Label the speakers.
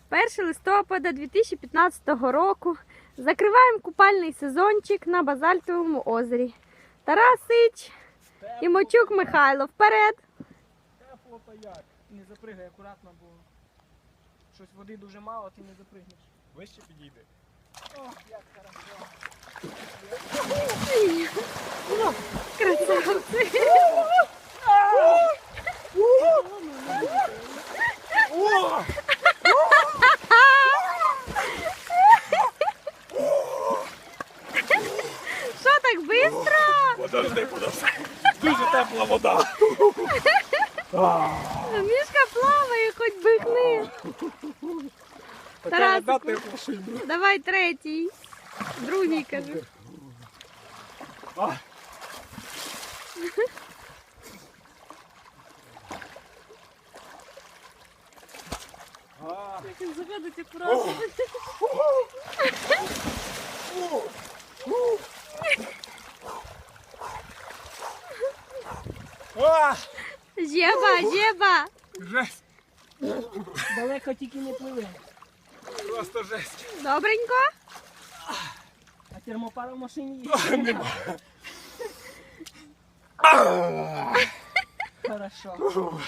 Speaker 1: 1 листопада 2015 року. Закриваємо купальний сезончик на Базальтовому озері. Тарасич і Мочук Михайло. Вперед!
Speaker 2: Тепло та як. Не запригай акуратно, бо щось води дуже мало, ти не запригнеш.
Speaker 3: Вище підійди.
Speaker 2: О, як хорошо.
Speaker 1: Красавці! Що так швидко?
Speaker 3: Подожди. Дуже тепла вода.
Speaker 1: Мішка плаває, хоч бихни.
Speaker 3: Така вода
Speaker 1: Тарасику,
Speaker 3: тепла, що й
Speaker 1: давай третій. Другий, кажу. Як він заходить акуратно. Жеба!
Speaker 3: Жесть.
Speaker 2: Далеко тільки не пливе.
Speaker 3: Просто жесть.
Speaker 1: Добренько?
Speaker 2: А термопара в машині є. Хорошо.